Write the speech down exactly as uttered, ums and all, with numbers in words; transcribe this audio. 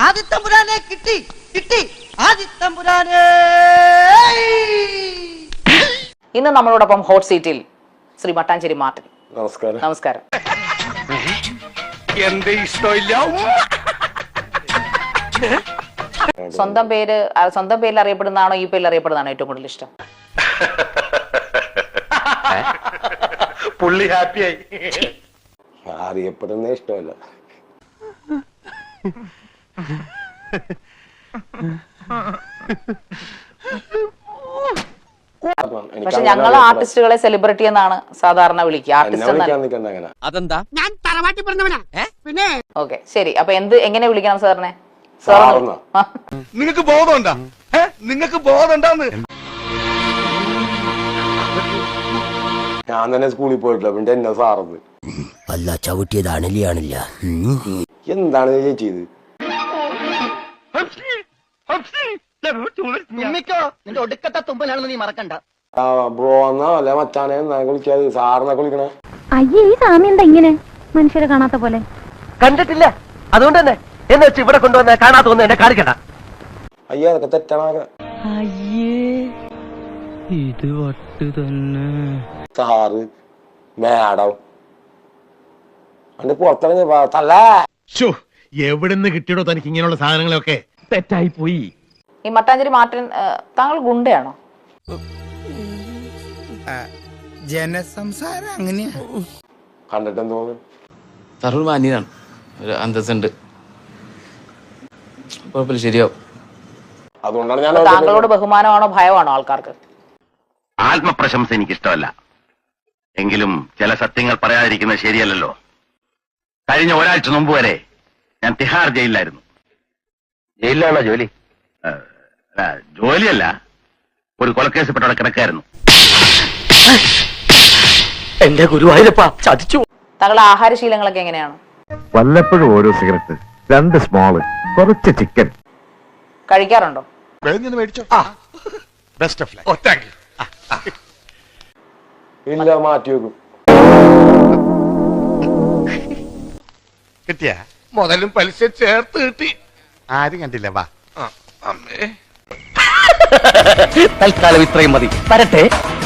ആദിത്തമ്പുരാനെ കിട്ടി കിട്ടി ആദിത്തമ്പുരാനെ. ഇന്ന് നമ്മളോടൊപ്പം ഹോട്ട് സീറ്റിൽ ശ്രീ മട്ടാഞ്ചേരി മാർട്ടിൻ. നമസ്കാരം. നമസ്കാരം. സ്വന്തം പേര് സ്വന്തം പേരിൽ അറിയപ്പെടുന്നതാണോ ഈ പേരിൽ അറിയപ്പെടുന്നതാണോ ഏറ്റവും കൂടുതൽ ഇഷ്ടം? പുള്ളി ഹാപ്പിയായി. അറിയപ്പെടുന്ന ഇഷ്ടമല്ല. പക്ഷെ ഞങ്ങൾ ആർട്ടിസ്റ്റുകളെ സെലിബ്രിറ്റി എന്നാണ് സാധാരണ വിളിക്കുക. ആർട്ടിസ്റ്റ് അതെന്താ? ഞാൻ തറവാട്ടി പറഞ്ഞവനാ. പിന്നെ ഓക്കെ, ശരി. അപ്പൊ എന്ത് എങ്ങനെ വിളിക്കണം സാറിനെ? നിങ്ങക്ക് ബോധമുണ്ടാ? നിങ്ങക്ക് ബോധമുണ്ടാന്ന്? ഞാൻ തന്നെ സ്കൂളിൽ പോയിട്ടില്ല, പിന്നെ എന്നെ സാറത് അല്ല ചവിട്ടിയത് അണലിയാണില്ല. എന്താണ് ചേച്ചിയത്? നിന്റെ ഒടുക്കത്തെ തുമ്പലാണെന്ന് നീ മറക്കണ്ട. ബ്രോ എന്നാ അല്ലെ മച്ചാനെ എന്നാ വിളിക്കാത്, സാറിനൊക്കെ വിളിക്കണേ. അയ്യേ, ഈ സാമി എന്താ ഇങ്ങനെ മനുഷ്യരെ കാണാത്ത പോലെ? കണ്ടിട്ടില്ല, അതുകൊണ്ട് തന്നെ എന്ന് വെച്ച് ഇവിടെ കൊണ്ടുവന്ന് കാണാത്ത ഒന്നും എന്നെ കാണിക്കണ്ട. അയ്യോ, അതൊക്കെ തെറ്റാണൊക്കെ. ഇത് വട്ട് തന്നെ. സാറ് മാഡം അന്റെ പുറത്തിറങ്ങി തല്ല. എവിടുന്ന് കിട്ടിയോ തനിക്ക് ഇങ്ങനെയുള്ള സാധനങ്ങളൊക്കെ? തെറ്റായി പോയി. ഈ മട്ടാഞ്ചേരി മാർട്ടിൻ താങ്കൾ ഗുണ്ടയാണോ? ജനസംസാരം അങ്ങനെയാ. കണ്ടിട്ട് തോന്നുന്നു തറൂർ മാന്യനാണ്, ഒരു അന്തസ്സുണ്ട്, കുഴപ്പമില്ല, ശരിയാവും. അതുകൊണ്ടാണ് ഞാൻ താങ്കളോട് ബഹുമാനമാണോ ഭയമാണോ ആൾക്കാർക്ക്? ആത്മപ്രശംസ എനിക്ക് ഇഷ്ടമല്ല, എങ്കിലും ചില സത്യങ്ങൾ പറയാതിരിക്കുന്നത് ശരിയല്ലല്ലോ. കഴിഞ്ഞ ഒരാഴ്ച മുമ്പ് വരെ ഞാൻ തിഹാർ ജയിലിലായിരുന്നു. ജയിലിലാണോ ജോലി? ജോലിയല്ല, ഒരു കൊലക്കേസിൽപ്പെട്ടവിടെ കിടക്കായിരുന്നു. എന്റെ ഗുരുവായൂരപ്പ ചതിച്ചു. താങ്കളുടെ ആഹാരശീലങ്ങളൊക്കെ എങ്ങനെയാണ്? വല്ലപ്പോഴും ഓരോ സിഗരറ്റ്, രണ്ട് സ്മോള്, കുറച്ച് ചിക്കൻ കഴിക്കാറുണ്ടോ? ഇല്ല, മാറ്റി വെക്കും. കിട്ടിയ മുതലും പലിശ ചേർത്ത് കിട്ടി. ആരും കണ്ടില്ല. വാ. തൽക്കാലം ഇത്രയും മതി. വരട്ടെ.